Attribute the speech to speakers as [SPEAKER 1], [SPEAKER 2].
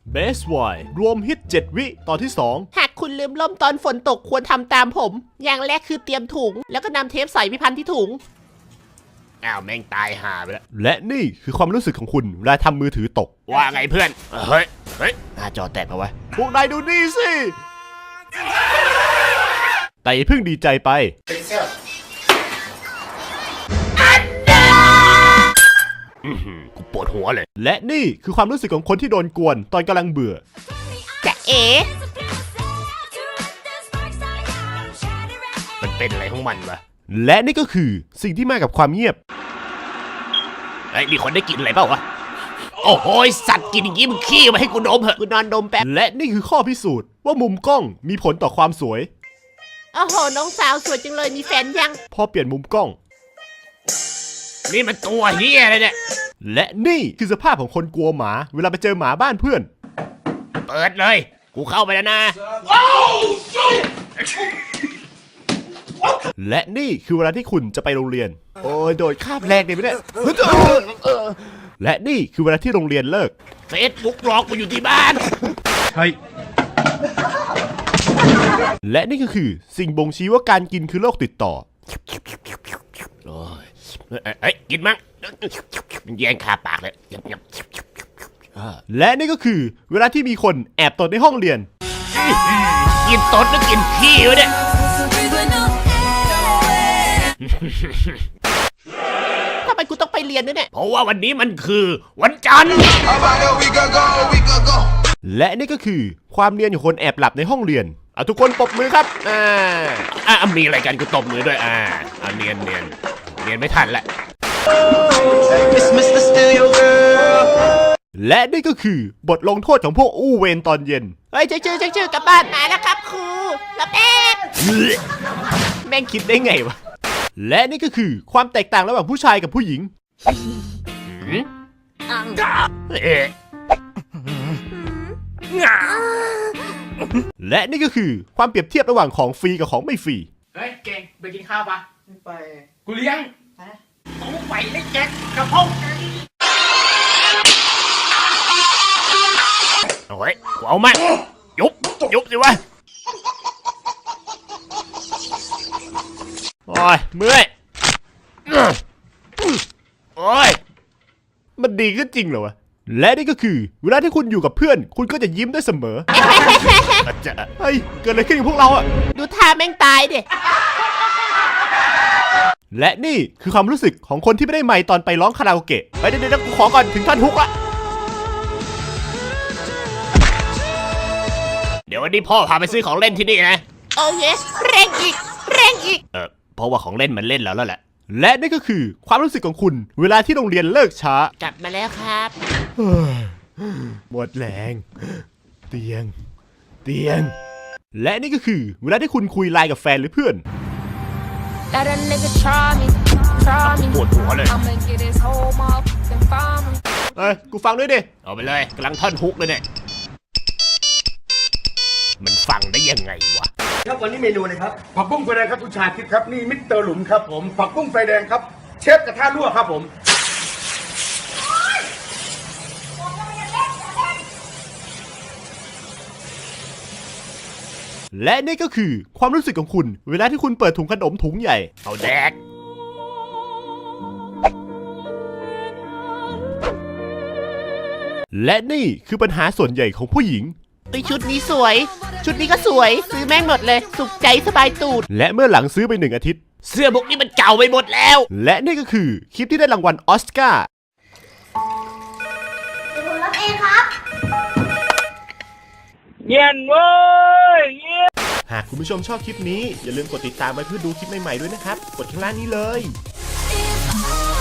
[SPEAKER 1] Best Y รวมฮิต7 วิตอนที่ 2
[SPEAKER 2] หากคุณลืมล่มตอนฝนตกควรทำตามผม อย่างแรกคือเตรียมถุง แล้วก็นำเทปใส่ไปพันที่ถุง
[SPEAKER 3] อ้าวแม่งตายห่าไปแล้ว
[SPEAKER 1] และนี่คือความรู้สึกของคุณเวลาทำมือถือตก
[SPEAKER 3] ว่าไงเพื่อนเฮ้ยหน้าจอแตกปะวะ
[SPEAKER 1] พวกนายดูนี่สิแต่อย่าเพิ่งดีใจไป
[SPEAKER 3] กูปวดหัวเลย
[SPEAKER 1] และนี่คือความรู้สึกของคนที่โดนกวนตอนกำลังเบื่อ
[SPEAKER 2] จะเอ๋
[SPEAKER 3] มันเป็นอะไรของมันวะ
[SPEAKER 1] และนี่ก็คือสิ่งที่มากับความเงียบ
[SPEAKER 3] ไอ้ยมีคนได้กินอะไรเปล่าวะโอ้โหสัตว์กินอย่างงี้มึงขี้มาให้กูดมเหอะ
[SPEAKER 2] กูนอนดมแป๊บ
[SPEAKER 1] และนี่คือข้อพิสูจน์ว่ามุมกล้องมีผลต่อความสวย
[SPEAKER 2] โอ้โห น้องสาวสวยจังเลยมีแฟนยัง
[SPEAKER 1] พอเปลี่ยนมุมกล้อง
[SPEAKER 3] นี่มันตัวเฮียอะไรเนี่ย
[SPEAKER 1] และนี่คือสภาพของคนกลัวหมาเวลาไปเจอหมาบ้านเพื่อน
[SPEAKER 3] เปิดเลยกูเข้าไปแล้วนะ
[SPEAKER 1] และนี่คือเวลาที่คุณจะไปโรงเรียน โอ้ยโดดคาบแรกเลยไม่ได้และนี่คือเวลาที่โรงเรียนเลิก
[SPEAKER 3] เฟซบุ๊กหลอกกูอยู่ที่บ้าน
[SPEAKER 1] และนี่ก็คือสิ่งบ่งชี้ว่าการกินคือโรคติดต่อ
[SPEAKER 3] โอ้ยเอ้ยกินมั้งแย่งคาปากเลย
[SPEAKER 1] และนี่ก็คือเวลาที่มีคนแอบตดในห้องเรียน
[SPEAKER 3] กินตดแล้วกินขี้วะเนี่ย
[SPEAKER 2] ทำไมกูต้องไปเรียนด้วยเนี่ย
[SPEAKER 3] เพราะว่าวันนี้มันคือวันจันทร์
[SPEAKER 1] และนี่ก็คือความเนียนของคนแอบหลับในห้องเรียนเอาทุกคนปรบมือครับ
[SPEAKER 3] มีอะไรกันกูตบมือด้วยเนียนไม่ทันแหละ
[SPEAKER 1] และนี่ก็คือบทลงโทษของพวกอู้เวรตอนเย็น
[SPEAKER 2] เฮ้ยชื่อกลับบ้านมาแล้วครับครูรับแอบ
[SPEAKER 1] แม่งคิดได้ไงวะ และนี่ก็คือความแตกต่างระหว่างผู้ชายกับผู้หญิง และนี่ก็คือความเปรียบเทียบระหว่างของฟรีกับของไม่ฟรี
[SPEAKER 4] เฮ้ยเก่งไปกินข้าวปะ
[SPEAKER 2] ไป
[SPEAKER 4] กูเลี้ยง
[SPEAKER 3] กูไปได้แจ็คกระเพงโอ้ยกูเอามายุบสิวะ
[SPEAKER 1] โอ้ยเมื่อย
[SPEAKER 3] โอ้ย
[SPEAKER 1] มันดีขึ้นจริงเหรอวะ และนี่ก็คือเวลาที่คุณอยู่กับเพื่อน คุณก็จะยิ้มได้เสมอ เฮ้ยเกิดอะไรขึ้นกับพวกเราอะ
[SPEAKER 2] ดูท่าแม่งตายดิ
[SPEAKER 1] และนี่คือความรู้สึกของคนที่ไม่ได้ไมค์ตอนไปร้องคาราโอเกะไปเดี๋ยวกูขอก่อนถึงท่อนฮุกละ
[SPEAKER 3] เดี๋ยววันนี้พ่อพาไปซื้อของเล่นที่นี่นะ
[SPEAKER 2] โอ้ยเร่งอีก
[SPEAKER 3] เพราะว่าของเล่นมันเล่นแล้วแหละ
[SPEAKER 1] และนี่ก็คือความรู้สึกของคุณเวลาที่โรงเรียนเลิกช้าก
[SPEAKER 2] ลับมาแล้วครับ
[SPEAKER 1] หมดแรงเตียง และนี่ก็คือเวลาที่คุณคุยไลน์กับแฟนหรือเพื่อน
[SPEAKER 5] Let a nigga try me.
[SPEAKER 3] ปวดหัวเลย
[SPEAKER 5] I'ma get his whole motherfucking family.
[SPEAKER 1] เอ้ยกูฟังด้วยดิ
[SPEAKER 3] เอาไปเลยกำลังท่อนฮุกเลยเนี่ยมันฟังได้ยังไงวะ
[SPEAKER 6] ครับวันนี้เมนูเลยครับผักบุ้งไฟแดงครับคุณชาคิดครับนี่มิสเตอร์หลุมครับผมผักบุ้งไฟแดงครับเชฟกระทะรั่วครับผม
[SPEAKER 1] และนี่ก็คือความรู้สึกของคุณเวลาที่คุณเปิดถุงขนมถุงใหญ่
[SPEAKER 3] เอาแดก
[SPEAKER 1] และนี่คือปัญหาส่วนใหญ่ของผู้หญิง
[SPEAKER 2] ชุดนี้สวย ชุดนี้ก็สวย ซื้อแม่งหมดเลย สุขใจสบายตูด
[SPEAKER 1] และเมื่อหลังซื้อไป1 อาทิตย์
[SPEAKER 3] เสื้อพวกนี้มันเก่าไปหมดแล้ว
[SPEAKER 1] และนี่ก็คือคลิปที่ได้รางวัลออสการ์
[SPEAKER 7] เดี๋ยวผมรับเองครับ
[SPEAKER 1] หากคุณผู้ชมชอบคลิปนี้อย่าลืมกดติดตามไว้เพื่อดูคลิปใหม่ๆด้วยนะครับ กดข้างล่างนี้เลย
[SPEAKER 5] If I